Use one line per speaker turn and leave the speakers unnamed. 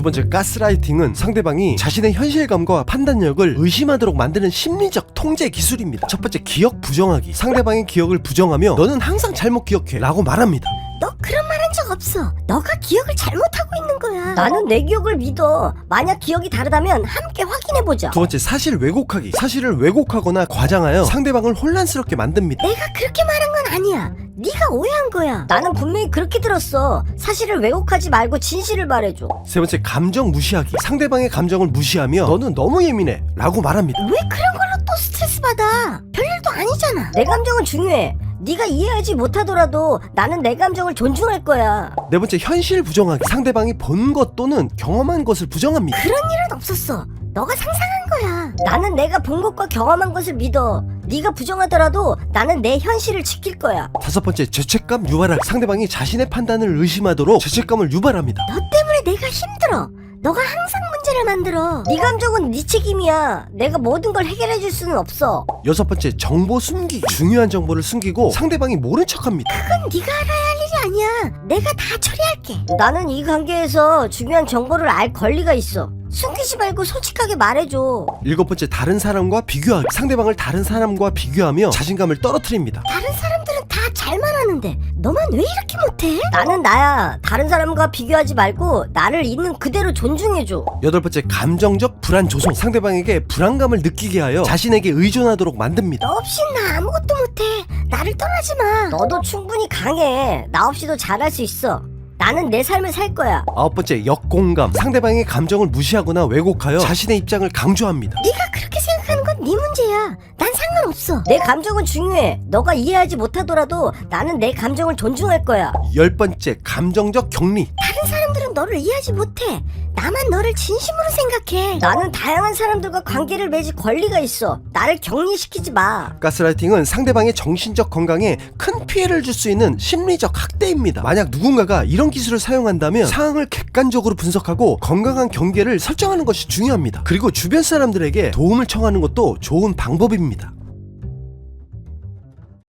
번째 가스라이팅은 상대방이 자신의 현실감과 판단력을 의심하도록 만드는 심리적 통제 기술입니다. 첫 번째, 기억 부정하기. 상대방의 기억을 부정하며 너는 항상 잘못 기억해 라고 말합니다.
너 그런 말 한 적 없어. 너가 기억을 잘못하고 있는 거야. 나는 내 기억을 믿어. 만약 기억이 다르다면 함께 확인해보자.
두 번째, 사실 왜곡하기. 사실을 왜곡하거나 과장하여 상대방을 혼란스럽게 만듭니다.
내가 그렇게 말한 건 아니야. 네가 오해한 거야. 나는 분명히 그렇게 들었어. 사실을 왜곡하지 말고 진실을 말해줘.
세 번째, 감정 무시하기. 상대방의 감정을 무시하며 너는 너무 예민해 라고 말합니다.
왜 그런 걸로 또 스트레스 받아? 별일도 아니잖아. 내 감정은 중요해. 네가 이해하지 못하더라도 나는 내 감정을 존중할 거야.
네 번째, 현실 부정하기. 상대방이 본 것 또는 경험한 것을 부정합니다.
그런 일은 없었어. 너가 상상한 거야. 나는 내가 본 것과 경험한 것을 믿어. 네가 부정하더라도 나는 내 현실을 지킬 거야.
다섯 번째, 죄책감 유발하기. 상대방이 자신의 판단을 의심하도록 죄책감을 유발합니다.
너 때문에 내가 힘들어. 너가 항상 문제를 만들어. 네 감정은 네 책임이야. 내가 모든 걸 해결해 줄 수는 없어.
여섯 번째, 정보 숨기기. 중요한 정보를 숨기고 상대방이 모른 척합니다.
그건 네가 알아야 할 일이 아니야. 내가 다 처리할게. 나는 이 관계에서 중요한 정보를 알 권리가 있어. 숨기지 말고 솔직하게 말해줘.
일곱 번째, 다른 사람과 비교하기. 상대방을 다른 사람과 비교하며 자신감을 떨어뜨립니다.
다른 사람들은 다 잘만 하는데 너만 왜 이렇게 못해? 나는 나야. 다른 사람과 비교하지 말고 나를 있는 그대로 존중해줘.
여덟 번째, 감정적 불안 조성. 상대방에게 불안감을 느끼게 하여 자신에게 의존하도록 만듭니다.
너 없인 나 아무것도 못해. 나를 떠나지 마. 너도 충분히 강해. 나 없이도 잘할 수 있어. 나는 내 삶을 살 거야.
아홉 번째, 역공감. 상대방의 감정을 무시하거나 왜곡하여 자신의 입장을 강조합니다.
네가 그렇게 생각하는 건 네 문제야. 난 상관없어. 내 감정은 중요해. 너가 이해하지 못하더라도 나는 내 감정을 존중할 거야.
열 번째, 감정적 격리.
다른 사람들은 너를 이해하지 못해. 나만 너를 진심으로 생각해. 나는 다양한 사람들과 관계를 맺을 권리가 있어. 나를 격리시키지 마.
가스라이팅은 상대방의 정신적 건강에 큰 피해를 줄 수 있는 심리적 학대입니다. 만약 누군가가 이런 기술을 사용한다면 상황을 객관적으로 분석하고 건강한 경계를 설정하는 것이 중요합니다. 그리고 주변 사람들에게 도움을 청하는 것도 좋은 방법입니다.